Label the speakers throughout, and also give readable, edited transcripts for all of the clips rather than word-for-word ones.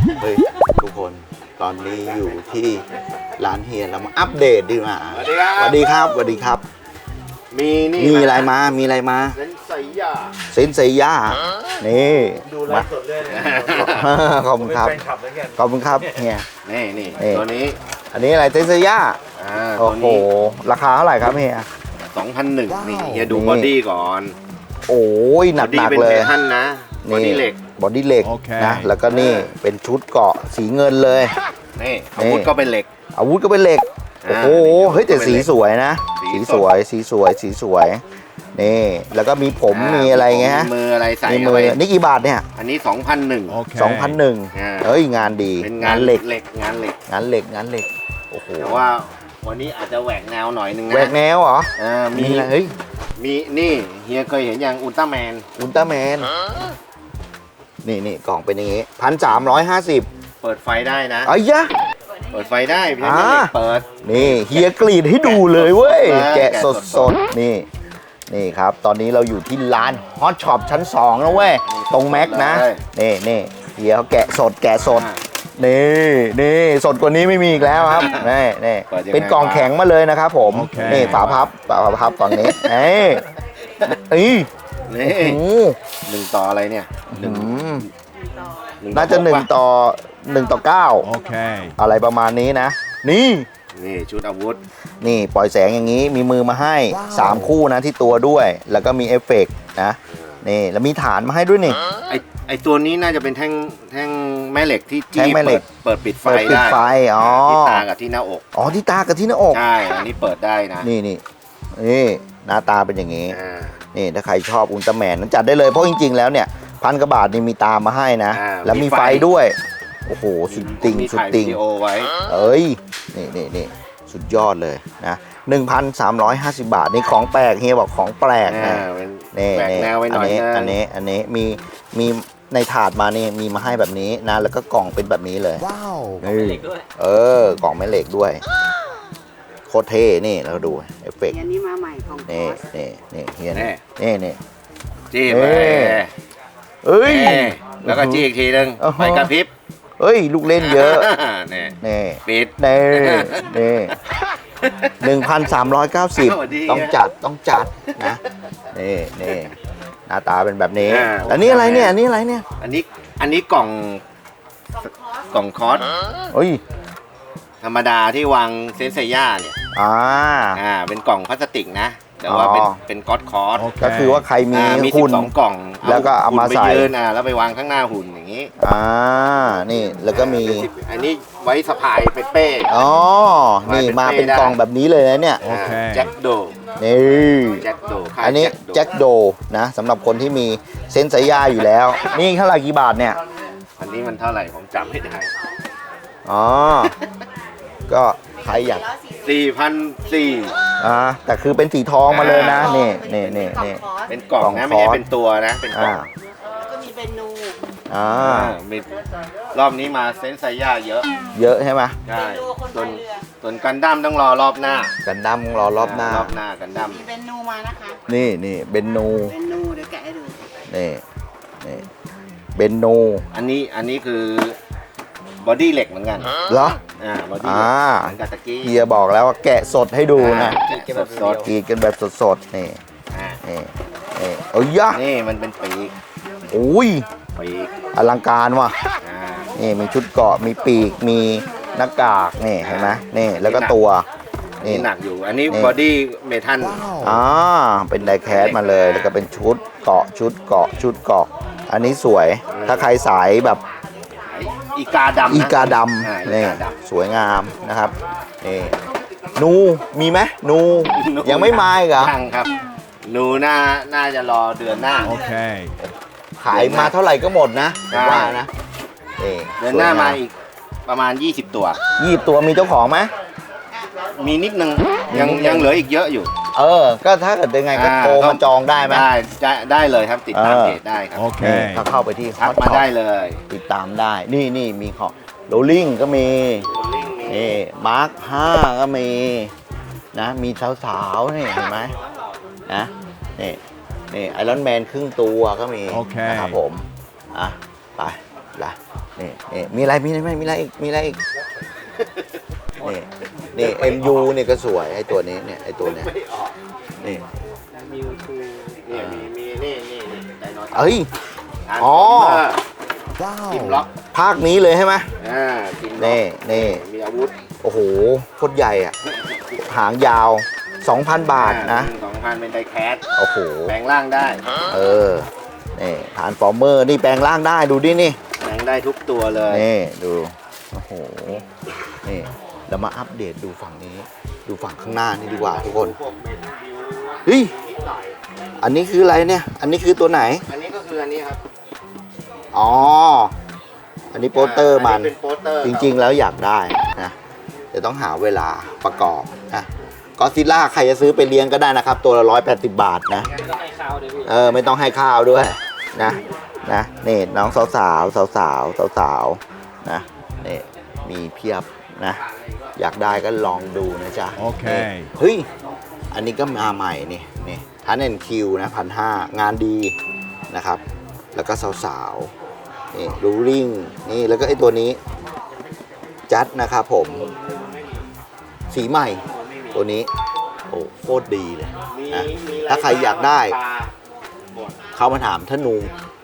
Speaker 1: เฮ้ยทุกคนตอนนี้อยู่ที่ร้านเฮียเรามาอัปเดตดีกว่าสวัสดีครับสวัสดีครับมีอะไรมามีอะไรมาเซนเซย่านี่ดูไลฟ์สดเลยขอบคุณครับขอบคุณครับเฮียนี่ตัวนี้อันนี้อะไรเซนเซย่าโอ้โหราคาเท่าไหร่ครับเฮีย
Speaker 2: 2,100นี่เฮียดูบอดี้ก่อน
Speaker 1: โอ้ยหนักเลย
Speaker 2: ท่านนะบอดี้เหล็ก
Speaker 1: นะแล้วก็นี่เป็นชุดเกาะสีเงินเลย
Speaker 2: นี่อาวุธก็เป็นเหล็ก
Speaker 1: โอ้โหเฮ้ยแต่สีสวยนะสีสวยนี่แล้วก็มีผมมีอะไรเงี้ย
Speaker 2: มืออะไรใส่
Speaker 1: มีมือนี่กี่บาทเนี่ย
Speaker 2: อันนี้2,100
Speaker 1: เฮ้ยงานดี
Speaker 2: เป็นงานเหล็ก
Speaker 1: โอ้โห
Speaker 2: แต่ว่าวันนี้อาจจะแหวกแนวหน่อยนึงนะ
Speaker 1: แหวกแนวเหรอ
Speaker 2: มี
Speaker 1: อะไรเฮ้ย
Speaker 2: มีนี่เฮียเคยเห็นอย่างอุลตร้าแมน
Speaker 1: นี่กล่องเป็นอย่างงี้1,350
Speaker 2: เปิดไฟได้นะ
Speaker 1: ไอ้ยะ
Speaker 2: เปิดไฟได้พี่เล็กเปิด
Speaker 1: นี่เฮียกรีดให้ดูเลยเว้ยแกะสดนี่ครับตอนนี้เราอยู่ที่ร้านฮอตช็อปชั้น2นะเว้ยตรงแม็กนะนี่เฮียเขาแกะสดนี่สดกว่านี้ไม่มีอีกแล้วครับนี่เป็นกล่องแข็งมาเลยนะครับผมนี่ฝาพับฝั่งนี้นี่
Speaker 2: 1 ต่ออะไรเนี่ย
Speaker 1: น่าจะ1 ต่อ 9โอเคอะไรประมาณนี้นะนี่
Speaker 2: ชุดอาวุธ
Speaker 1: นี่ปล่อยแสงอย่างนี้มีมือมาให้3คู่นะที่ตัวด้วยแล้วก็มีเอฟเฟกต์นะนี่แล้วมีฐานมาให้ด้วยนี่
Speaker 2: ไอตัวนี้น่าจะเป็นแท่งแม่เหล็กที่เปิดปิดไฟได้ที่ตากับที่หน้าอก
Speaker 1: ที่ตากับที่หน้าอก
Speaker 2: ใช่อันนี้เปิดได้นะ
Speaker 1: นี่หน้าตาเป็นอย่างนี้นี่ถ้าใครชอบอุลตร้าแมนนั้นจัดได้เลยเพราะจริงๆแล้วเนี่ย1,000 กว่าบาทนี่มีตามาให้นะแล้วมีไฟด้วยโอ้โหสุดติ่งเอ้ยนี่สุดยอดเลยนะ 1,350 บาทนี่ของแปลกเฮียบอกของแปลกนะนี่อันนี้มีในถาดมานี่มีมาให้แบบนี้นะแล้วก็กล่องเป็นแบบนี้เลย
Speaker 3: ว้าว
Speaker 1: กล่องแม่เหล็กด้วยกล่องแม่เหล็กด้วยโคตรเท่นี่เราดูเอฟเฟกต์
Speaker 3: อันนี้มาใหม่ของ
Speaker 1: นี่เฮียนี่
Speaker 2: จี้ไปแล้วก็จี้อีกทีนึงไปกระพริบ
Speaker 1: ลูกเล่นเยอะนี่
Speaker 2: ปิด
Speaker 1: นี่1,390ต้องจัดนะนี่หน้าตาเป็นแบบนี้อันนี้อะไรเนี่ยอัน
Speaker 2: นี้กล่องคอสธรรมดาที่วางเซนเซย่าเนี่ยเป็นกล่องพลาสติกนะแต่ว่าเป็นก๊อตคอร์ส
Speaker 1: ก็คือว่าใครมี
Speaker 2: หุ่น2 กล่อง
Speaker 1: แล้วก็เอามาใส่
Speaker 2: แล้วไปวางข้างหน้าหุ่นอย่างนี้
Speaker 1: นี่แล้วก็มี
Speaker 2: อันนี้ไว้สะพายเป็นเป้
Speaker 1: นี่มาเป็นกล่องแบบนี้เลยนะเนี่ย
Speaker 2: แจ็คโด
Speaker 1: นี่อันนี้แจ็คโดนะสำหรับคนที่มีเซนเซย่าอยู่แล้วนี่เท่าไหร่กี่บาทเนี่ย
Speaker 2: อันนี้มันเท่าไหร่ผมจำไม่ได้
Speaker 1: ก็ใครอยาก
Speaker 2: 4,400
Speaker 1: แต่คือเป็นสีทองมาเลยนะนี่
Speaker 2: เป็นกล่องนะไม่ใช่เป็นตัวนะเป็นกล่อง
Speaker 3: แล้วก็มีเป็นนู
Speaker 2: มีรอบนี้มาเซนไซย่าเย
Speaker 1: อะใช่ไหม
Speaker 2: ใช่ส่วนกันดั้มต้องรอรอบหน้า
Speaker 1: กันดั้มรอรอบหน้า
Speaker 2: กันดั้ม
Speaker 3: มีเป็นนูมานะคะ
Speaker 1: นี่เบนนู
Speaker 3: เดี๋ยวแกะให้ดู
Speaker 1: นี่เบนนู
Speaker 2: อันนี้คือบอดี้เหล็กเหมือนกัน
Speaker 1: เหร
Speaker 2: อบอดี้เหมือนกับตะกี้
Speaker 1: เฮียบอกแล้วว่าแกะสดให้ดูนะกรีดกันแบบสดนี่
Speaker 2: นี่มันเป็นปีกปีก
Speaker 1: อลังการว่ะนี่มีชุดเกราะมีปีกมีหน้ากากนี่เห็นไหมนี่แล้วก็ตัว
Speaker 2: นี่หนักอยู่อันนี้บอดี้เมทัล
Speaker 1: เป็นไดแคสมาเลยแล้วก็เป็นชุดเกราะอันนี้สวยถ้าใครสายแบบ
Speaker 2: อีกาด
Speaker 1: ำนี่สวยงามนะครับนี่นูมีไหมนูยังไม่มาอีกเหรอ
Speaker 2: ยังครับนูน่าจะรอเดือนหน้า
Speaker 1: โอเคขายมาเท่าไหร่ก็หมดนะว่านะ
Speaker 2: เดือนหน้ามาอีกประมาณ20 ตัว
Speaker 1: มีเจ้าของไหม
Speaker 2: มีนิดนึงยังเหลืออีกเยอะอยู่
Speaker 1: ก็ถ้าเกิดยังไงก็โทรมาจองได้ไหม
Speaker 2: ได้เลยครับติดตามเพจได้ครับ
Speaker 1: โอเคถ้าเข้าไปที่
Speaker 2: ทักมาได้เลย
Speaker 1: ติดตามได้นี่มีของโรลลิ่งก็มีมาร์ค5ก็มีนะมีสาวๆนี่เห็นไหมนะนี่ไอรอนแมนครึ่งตัวก็มีนะครับผมไปนี่มีอะไรมีอะไรอีกนี่ MU เนี่ยก็สวยไอ้ตัวนี้เนี่ยไอ้ตัวเนี้ยนี่
Speaker 2: มิวทูเนี่ยมีนี่ไดโนเสาร์
Speaker 1: เอ้ย อ๋อ
Speaker 2: ทีมล็อก
Speaker 1: ภาคนี้เลยใช่ไหม
Speaker 2: ทีมล็อก
Speaker 1: นี่
Speaker 2: มีอาวุธ
Speaker 1: โอ้โหโคตรใหญ่อ่ะหางยาว 2,000 บาทนะ
Speaker 2: 2,000เป็นไดแคส
Speaker 1: โอ้โห
Speaker 2: แปลงร่างได้
Speaker 1: นี่ฐานฟอร์เมอร์นี่แปลงร่างได้ดูดินี่
Speaker 2: แปลงได้ทุกตัวเลย
Speaker 1: นี่ดูโอ้โหนี่เรามาอัปเดตดูฝั่งนี้ ดูฝั่งข้างหน้านี่ดีกว่าทุกคน
Speaker 2: พวกเมทัลบิว
Speaker 1: เฮ้ย
Speaker 2: นิดหน่อย
Speaker 1: อันนี้คืออะไรเนี่ยอันนี้คือตัวไหน
Speaker 2: อันนี้ก็คืออันนี้ครับ
Speaker 1: อ๋ออันนี้โปสเตอร์มัน
Speaker 2: เป็นโปสเตอร์
Speaker 1: จริงๆแล้วอยากได้นะเดี๋ยวต้องหาเวลาประกอบนะก็ซิล่าใครจะซื้อไปเลี้ยงก็ได้นะครับตัวละ180 บาทนะไม่ต้องให้ข้าวด้วยพี่ไม่ต้องให้ข้าวด้วยนะนี่น้องสาวนะนี่มีเพียบนะอยากได้ก็ลองดูนะจ๊ะ
Speaker 4: โอเค
Speaker 1: เฮ้ยอันนี้ก็มาใหม่นี่ทันเอ็นคิวนะ1,500งานดีนะครับแล้วก็สาวนี่รูริงนี่แล้วก็ไอตัวนี้จัดนะครับผมสีใหม่ตัวนี้โอ้โคตรดีเลยนะถ้าใครอยากได้เข้ามาถามท่านนู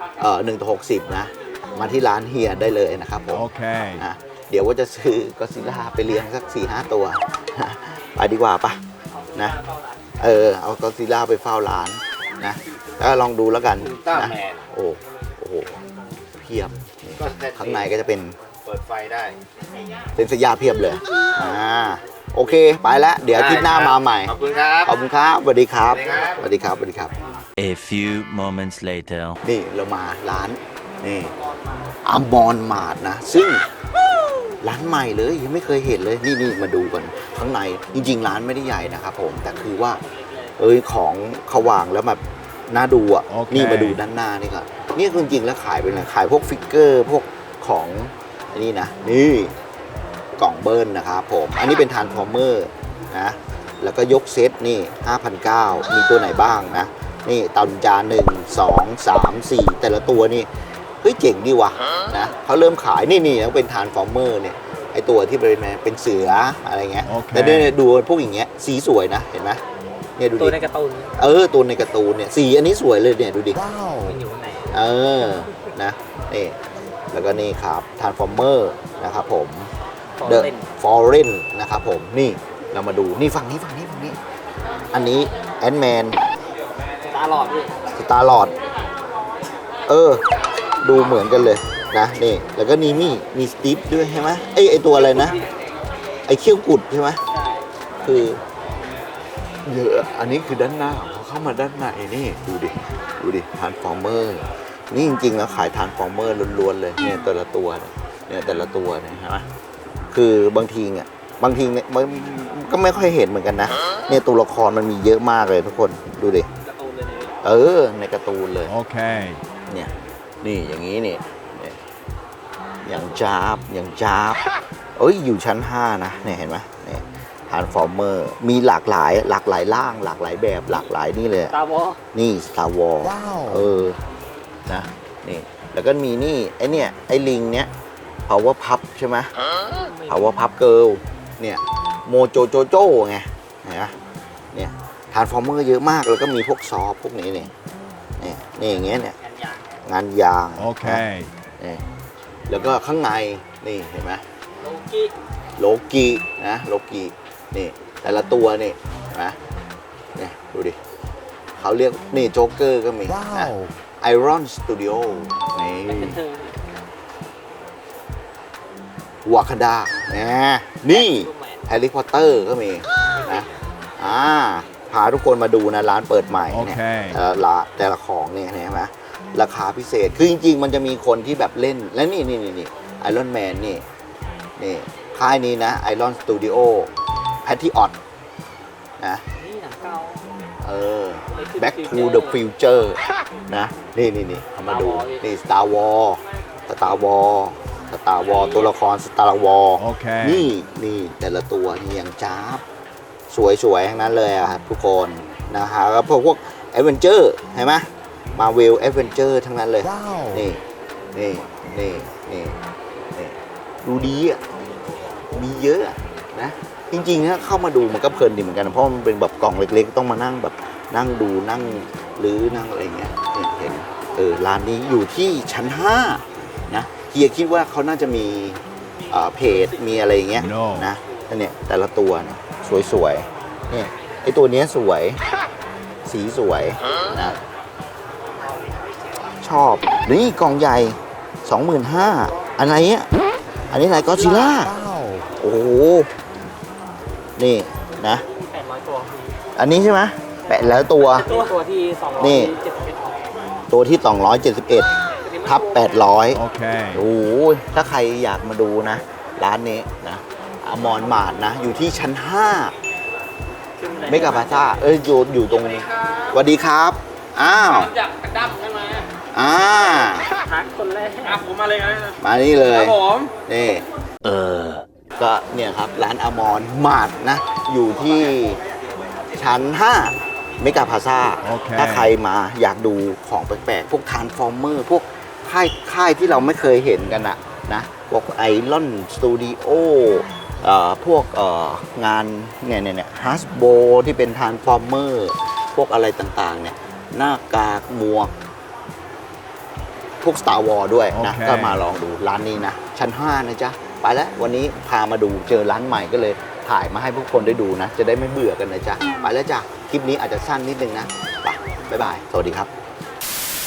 Speaker 1: 1/60นะมาที่ร้านเฮียได้เลยนะครับผม
Speaker 4: โอเค
Speaker 1: นะเดี๋ยวว่าจะซื้อก็ซิล่าไปเลี้ยงสัก 4-5 ตัวไปดีกว่าปะนะเอาก็ซิล่าไปเฝ้าร้านนะแล้วลองดูแล้วกันนะโอ้โหเพียบนี่ข้างในก็จะเป็น
Speaker 2: เปิดไฟได้
Speaker 1: เป็นสยาเพียบเลยโอเคไปแล้วเดี๋ยวอาทิตย์หน้ามาใหม่
Speaker 2: ขอบคุณครับ
Speaker 1: ขอบคุณครับสวัสดีครับ
Speaker 2: สวัสดีครับ
Speaker 1: สวัสดีครับ
Speaker 5: A few moments later.
Speaker 1: นี่เรามาร้านนี่อัมบอนมาร์ทนะซึ่งร้านใหม่เลยยังไม่เคยเห็นเลยนี่มาดูกันข้างในจริงๆร้านไม่ได้ใหญ่นะครับผมแต่คือว่าของเขาวางแล้วแบบน่าดูอ่ะ
Speaker 4: โอเค
Speaker 1: นี่มาดูด้านหน้านี่ก่อนนี่จริงๆแล้วขายเป็นอะไรขายพวกฟิกเกอร์พวกของอันนี้นะนี่กล่องเบิร์นนะครับผมอันนี้เป็นทรานส์ฟอร์เมอร์นะแล้วก็ยกเซตนี่ 5,900 มีตัวไหนบ้างนะนี่ตาลุนจาน1 2 3 4แต่ละตัวนี่เฮ้ยเจ๋งดีว่ะนะเขาเริ่มขายนี่แล้วเป็นทรานส์ฟอร์เมอร์เนี่ยไอตัวที่เป็นเสืออะไรเงี้ย
Speaker 4: โอเค
Speaker 1: แต่เนี่ยดูพวกอย่างเงี้ยสีสวยนะเห็นไหมเนี่ยดูดิ
Speaker 6: ตัวในการ์ตูน
Speaker 1: ตัวในการ์ตูนเนี่ยสีอันนี้สวยเลยเนี่ยดูดิ
Speaker 4: ว้าว
Speaker 6: มันอยู่ข้างใน
Speaker 1: นะนี่แล้วก็นี่ครับทรานส์ฟอร์เมอร์นะครับผม
Speaker 6: ฟอร์
Speaker 1: The
Speaker 6: เรน
Speaker 1: Foreign นะครับผมนี่เรามาดูนี่ฝั่งนี้อันนี้แอนด์แมน
Speaker 6: ตาหลอดพี่
Speaker 1: สตาร์ลอดดูเหมือนกันเลยนะนี่แล้วก็มีสตีฟด้วยใช่ไหมไอตัวอะไรนะไอเขี้ยวกุดใช่ไหมคือเยอะอันนี้คือด้านหน้าเขาเข้ามาด้านในนี่ดูดิทรานส์ฟอร์เมอร์นี่จริงๆแล้วขายทรานส์ฟอร์เมอร์ล้วนๆเลยเนี่ยแต่ละตัวเนี่ยแต่ละตัวเนี่ยใช่ไหมคือบางทีเนี่ยมันก็ไม่ค่อยเห็นเหมือนกันนะเนี่ยตัวละครมันมีเยอะมากเลยทุกคนดูดิ
Speaker 6: การ์ตูนเลยนะ
Speaker 1: ในการ์ตูนเลย
Speaker 4: โอเค
Speaker 1: เนี่ยนี่อย่างนี้นี่อย่างจ้าบอยู่ชั้น 5 นะเนี่ยเห็นไหมเนี่ยทรานส์ฟอร์เมอร์มีหลากหลายร่างหลากหลายแบบหลากหลายนี่เลย
Speaker 6: ตาวอ
Speaker 1: นี่ Star Wars
Speaker 4: ว้าว
Speaker 1: นะนี่แล้วก็มีนี่ไอ้ลิงเนี้ย Power Pup ใช่ไหม Power Pup Girl เนี่ยโมโจโจโจไงเห็นไหมเนี่ยทรานส์ฟอร์เมอร์เยอะมากแล้วก็มีพวกซอฟพวกนี้นี่อย่างเงี้ยเนี่ยงานยาง
Speaker 4: โอเค
Speaker 1: นี่แล้วก็ข้างในนี่เห็นไหม
Speaker 6: โลกิ
Speaker 1: โลกินะโลกินี่แต่ละตัวนี่เห็นไหมเนี่ยดูดิเขาเรียกนี่โจ๊กเกอร์ก็มี
Speaker 4: ว้า
Speaker 1: นะ
Speaker 4: ว
Speaker 1: Iron Studio นี่
Speaker 6: เป็นเธอ
Speaker 1: วาคาดานี่
Speaker 6: ลูกแมน
Speaker 1: แฮร์รี่พอตเตอร์ก็มีนะพาทุกคนมาดูนะร้านเปิดใหม่เนี่ย
Speaker 4: โอเค
Speaker 1: แต่ละของเนี่ยเห็นไหมราคาพิเศษคือจริงๆ มันจะมีคนที่แบบเล่นและนี่ไอรอนแมนนี่ค่ายนี้นะไอรอนสตูดิโอแพทที่ออดนะ
Speaker 6: นี่หนังเก่า
Speaker 1: Back to the Future นะนี่เอามาดูนี่ Star Wars ตัวละคร Star Wars
Speaker 4: โอเค
Speaker 1: นี่แต่ละตัวนี่ยังจ้าบสวยๆทั้งนั้นเลยอะครับทุกคนนะฮะแล้วพวก Adventure เห็นไหม Marvel Adventure ทั้งนั้นเลย
Speaker 4: ว้าว
Speaker 1: นี่ดูดีอ่ะมีเยอะอะนะจริงๆถ้าเข้ามาดูมันก็เพลินดีเหมือนกันนะเพราะมันเป็นแบบกล่องเล็กๆต้องมานั่งแบบนั่งดูนั่งหรือนั่งอะไรเงี้ยเห็นร้านนี้อยู่ที่ชั้น 5นะเฮียคิดว่าเขาน่าจะมีเพจมีอะไรอย่างเงี้ยนะเนี่ยแต่ละตัวเนี่ยสวยๆเนี่ยไอตัวเนี้ยสวยสีสวยนะชอบนี่กล่องใหญ่ 25,000อันไหนอ่ะอันนี้อะไรก็ซิล่าโอ้โหนี่นะ
Speaker 6: 800 ตัวพี่
Speaker 1: อันนี้ใช่ไหมแปะแล้วตัว
Speaker 6: ตัวที่
Speaker 1: นี่
Speaker 6: 271
Speaker 1: ตัวที่ 271 ทับ 800 โอเคโอ้โหถ้าใครอยากมาดูนะ ร้านนี้นะอมรมาร์ทนะ อยู่ที่ชั้น 5 เมกาพาซ่าอยู่ตรงสวัสดีครับ อ้าว
Speaker 6: จากกระดั้มใช่ไหม ทักคนแรกผมมาเลยนะ
Speaker 1: มานี่เลย
Speaker 6: ครับผม
Speaker 1: นี่ก็เนี่ยครับ ร้านอมรมาร์ทนะ อยู่ที่ชั้น 5 เมกาพาซ่า ถ้าใครมาอยากดูของแปลกๆ พวกทรานส์ฟอร์เมอร์ พวกค่ายที่เราไม่เคยเห็นกันอะนะพวกไอรอนสตูดิโอพวกงานเนี่ยฮัสโบที่เป็นทรานส์ฟอร์เมอร์พวกอะไรต่างๆเนี่ยหน้ากากหมวก พวก Star Wars ด้วยนะ ก็มาลองดูร้านนี้นะ ชั้น 5 นะจ๊ะ ไปแล้ววันนี้พามาดูเจอร้านใหม่ก็เลยถ่ายมาให้พวกคนได้ดูนะ จะได้ไม่เบื่อกันนะจ๊ะ ไปแล้วจ้ะ คลิปนี้อาจจะสั้นนิดนึงนะไปบ๊ายบาย สวัสดีครับ